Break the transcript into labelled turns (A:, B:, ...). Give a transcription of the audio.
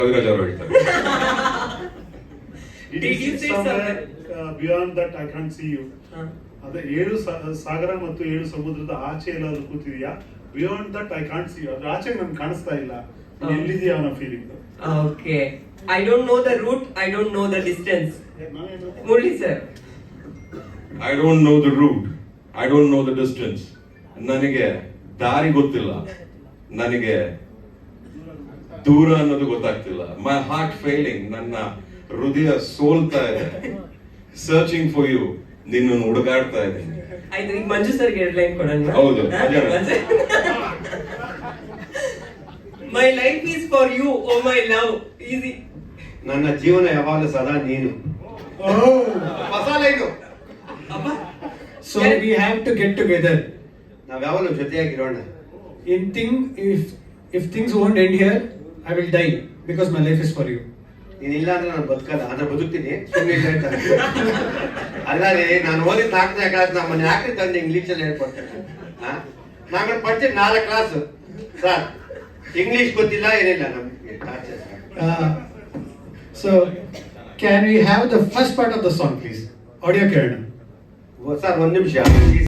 A: ಕವಿರಾಜ್ ಅವರು ಹೇಳ್ತಾರೆ.
B: Did you say somewhere
C: beyond that I can't see you. ಅದೇ 7 ಸಾಗರ ಮತ್ತು 7 ಸಮುದ್ರದ ಆಚೆ ಎಲ್ಲಾದ್ರೂ ಕೂತಿದ್ಯಾ? Beyond that I can't see you. ಅದ್ರ ಆಚೆ ನನ್ಗೆ ಕಾಣಿಸ್ತಾ ಇಲ್ಲ. ಎಲ್ಲಿದೆಯಾ ಅನ್ನೋ feeling.
B: Okay. I don't know the route. I don't know the distance. Murli sir.
A: I don't know the route. I don't know the distance. ನನಗೆ ದಾರಿ ಗೊತ್ತಿಲ್ಲ. ನನಗೆ ದೂರ ಅನ್ನೋದು ಗೊತ್ತಾಗ್ತಿಲ್ಲ. My heart failing. ನನ್ನ ಹೃದಯ ಸೋಲ್ತಾ ಇದೆ. Searching for you. ನಿನ್ನನ್ನು ಹುಡುಗಾಡ್ತಾ ಇದ್ದೀನಿ.
B: ಆಯ್ತು, ಈಗ ಮಂಜು ಸರ್ ಗೆ ಲೈನ್ ಕೊಡೋಣ.
A: ಹೌದು.
B: My life is for you, oh my love. Easy.
D: ನನ್ನ ಜೀವನ ಯಾವಾಗಲೂ ಸದಾ ನೀನು. ಹೊಸ line.
E: So we have to get together.
D: ನಾವ್ ಯಾವಾಗಲೂ ಜೊತೆಯಾಗಿರೋಣ.
E: If things won't end here, I will die because my life is for you.
D: ನೀನಿಲ್ಲ ಅಂದ್ರೆ ನಾನು ಬದುಕಲ್ಲ, ಅಂದ್ರೆ ಬದುಕ್ತೀನಿ. ಸುಮ್ಮನೆ ಹೇಳ್ತಾರೆ. ಅಲ್ಲ ರೀ, ನಾನು ಓದಿದ 4ನೇ ಕ್ಲಾಸ್ ನಮ್ಮನ್ನ ಯಾಕೆ ತಂದು ಇಂಗ್ಲೀಷಲ್ಲಿ ಹೇಳ್ಕೊಡ್ತೇನೆ. ನಾನು ಪಡ್ತೀನಿ 4 ಕ್ಲಾಸ್ ಸರ್, ಇಂಗ್ಲೀಷ್ ಗೊತ್ತಿಲ್ಲ ಏನಿಲ್ಲ ನಮ್ಗೆ.
E: So can we have the first part of the song please? Audio ಕೇಳೋಣ.
D: ಸರ್ 1 ನಿಮಿಷ.